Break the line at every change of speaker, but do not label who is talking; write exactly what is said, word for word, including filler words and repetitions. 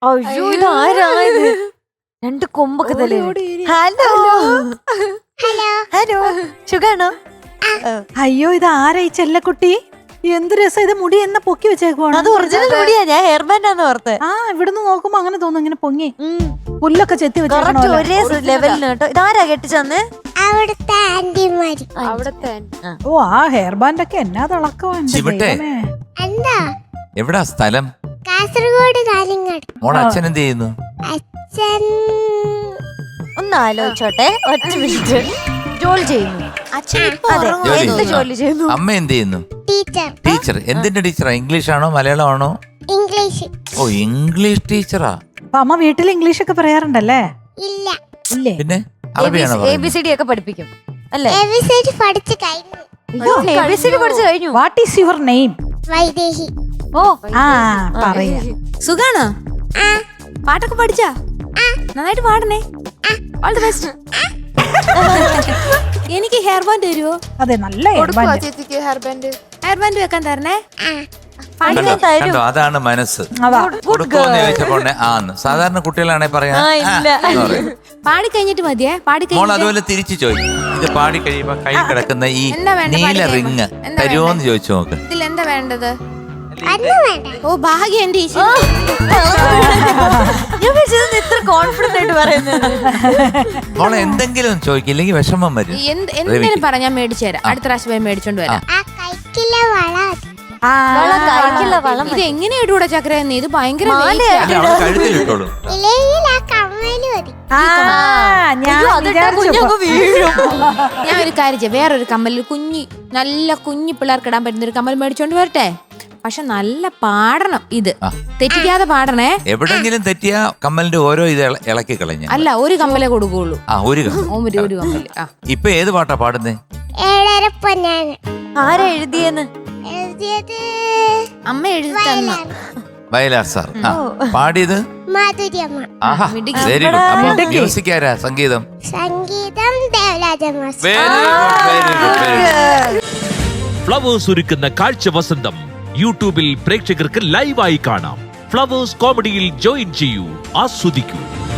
അയ്യോ ഇത് ആരായത്? രണ്ട് കൊമ്പൊക്കെ തലേ. ഹലോ
ഹലോ
ഹലോ സുഖാണോ?
അയ്യോ ഇത് ആരാ ഈ ചെല്ലക്കുട്ടി? എന്ത് രസം, ഇത് മുടി എന്ന പൊക്കി വെച്ചേക്കുവാണ്.
അത് ഒറിജിനൽ മുടിയാ, ഞാൻ ഹെയർ ബാൻഡാന്ന് ഓർത്ത്.
ആ ഇവിടുന്ന് നോക്കുമ്പോ അങ്ങനെ തോന്നുന്നു, ഇങ്ങനെ പൊങ്ങി പുല്ലൊക്കെ ചെത്തി
കറക്റ്റ്
വെച്ചേക്കണ
ഒരേ ലെവലിന് കേട്ടോ. ഇതാരാ കെട്ടിച്ചന്ന്?
അവിടുത്തെ ആന്റിമാര്.
അവിടത്തെ
ഓ ആ ഹെയർ ബാൻഡ് ഒക്കെ എന്നാ തിളക്കമാണ്.
ചിവട്ടെ.
എന്താ?
എവിടാ സ്ഥലം?
കാസർഗോഡ് കാലിങ്ങാട്.
മോളെ അച്ഛൻ എന്ത് ചെയ്യുന്നു?
അച്ഛൻ
ഒന്ന് ആലോചിച്ചോട്ടെ, ഒറ്റ മിനിറ്റ്. ജോലി ചെയ്യുന്നു.
അച്ഛൻ ഇപ്പൊ
അതെ,
ജോലി
എന്ത്
ചെയ്യുന്നു.
ജോലി ചെയ്യുന്നു?
അമ്മ എന്ത് ചെയ്യുന്നു?
ടീച്ചർ.
ടീച്ചർ. എന്തിന്റെ ടീച്ചറാ? ഇംഗ്ലീഷ് ആണോ മലയാളമാണോ?
ഇംഗ്ലീഷ്.
ഓ ഇംഗ്ലീഷ് ടീച്ചറാ.
അപ്പൊ അമ്മ വീട്ടിൽ ഇംഗ്ലീഷ് ഒക്കെ പറയാറുണ്ടല്ലേ?
ഇല്ല.
ഇല്ലേ?
പിന്നെ അറബിയാണോ
എ ബി സി ഡി ഒക്കെ പഠിപ്പിക്കും അല്ലേ?
എ ബി സി ഡി പഠിച്ചു കഴിഞ്ഞു.
എ ബി സി ഡി പഠിച്ചു കഴിഞ്ഞു.
What is your name?
Vaidehi.
ഓ
ആ പറയാ.
സുഖാണോ?
ആ
പാട്ടൊക്കെ പഠിച്ചാ? നന്നായിട്ട് പാടണേ. All the best. എനിക്ക് ഹെയർ ബാൻഡ് തരുമോ?
അതെ നല്ല ഹെയർ ബാൻഡ്.
ചേച്ചിക്ക് ഹെയർ ബാൻഡ് ഹെയർ ബാൻഡ് വെക്കാൻ തരണേ.
കണ്ടോ, കണ്ടോ, അതാണ് മനസ്സ്. കൊടുക്കുമെന്ന് ചോദിച്ചപ്പോ ആന്ന്. സാധാരണ കുട്ടികളാണെ പറയാ
ആ, ഇല്ല.
പാടി കഴിഞ്ഞിട്ട് മതിയേ. പാടി
മോൾ അതുപോലെ തിരിച്ചു ചോദിക്കും. ഇത് പാടി കഴിയുമ്പോ കൈ കിടക്കുന്ന ഈ
എന്താ വേണ്ട?
നീല
പാടി
റിങ്
കഴിയുമ്പോ. എന്താ
തരുമോന്ന് ചോദിച്ചു നോക്ക്.
ഇതിൽ എന്താ വേണ്ടത്?
അന്ന് വേണ്ട.
ഓ ഭാഗ്യം എന്റെ ഈശ്വര.
ഞാൻ വിചാരിച്ചത് ഇത്ര കോൺഫിഡന്റ് ആയിട്ട് പറയുന്നത്.
മോളെ എന്തെങ്കിലും ചോദിക്കില്ലെങ്കിൽ വിഷമം വരും.
എന്ത് എന്തെങ്കിലും പറഞ്ഞാ മേടിച്ചു തരാം. അടുത്ത പ്രാവശ്യം പോയി മേടിച്ചോണ്ട് വരാം.
ആ കൈക്കിലെ വള.
ആ
വളം കഴിക്കില്ല, വളം
ഇത് എങ്ങനെ ഇടൂടെ ചക്ര? ഇത് ഭയങ്കര weight ആ.
അല്ല, അവള് കഴുത്തിലിട്ടോളൂ.
ഇല്ലെങ്കിൽ ആ കമ്മല് മതി.
ആ, ഞാൻ
അയ്യോ, അതിട്ടാ
വിചാരിച്ചു
കുഞ്ഞങ്ങ് വീഴും.
ഞാൻ ഒരു കാര്യം ചെയ്യാം. വേറൊരു കമ്മൽ, കുഞ്ഞി നല്ല കുഞ്ഞി പിള്ളേർക്ക് ഇടാൻ പറ്റുന്ന ഒരു കമ്മൽ മേടിച്ചോണ്ട് വരട്ടെ. പക്ഷെ നല്ല പാടണം. ഇത് തെറ്റിക്കാതെ പാടണേ.
എവിടെങ്കിലും തെറ്റിയ കമ്മലിന്റെ ഓരോ ഇത് ഇള- ഇളക്കി കളഞ്ഞ.
അല്ല, ഒരു കമ്മലേ കൊടുക്കുള്ളൂ.
ആ ഒരു കമ്മൽ.
ഒരു ഒരു കമ്മല്. ആ
ഇപ്പൊ ഏത് പാട്ടാ പാടുന്നേ?
ഏഴര പൊന്നാണ്.
ആരാ എഴുതിയെന്ന്?
എഴുതിയത്
അമ്മ എഴുതി തന്നു.
വയലാർ സാർ. ആ പാടിയത്
മാധുര്യമ്മ.
ആഹാ വെരി ഗുഡ്. അപ്പൊ മ്യൂസിക് ആരാ? സംഗീതം?
സംഗീതം Devaraja master.
Very good, very good, very good.
Flowers ഒരുക്കുന്ന കാഴ്ച വസന്തം യൂട്യൂബിൽ പ്രേക്ഷകർക്ക് ലൈവായി കാണാം. ഫ്ലവേഴ്സ് കോമഡിയിൽ ജോയിൻ ചെയ്യൂ, ആസ്വദിക്കൂ.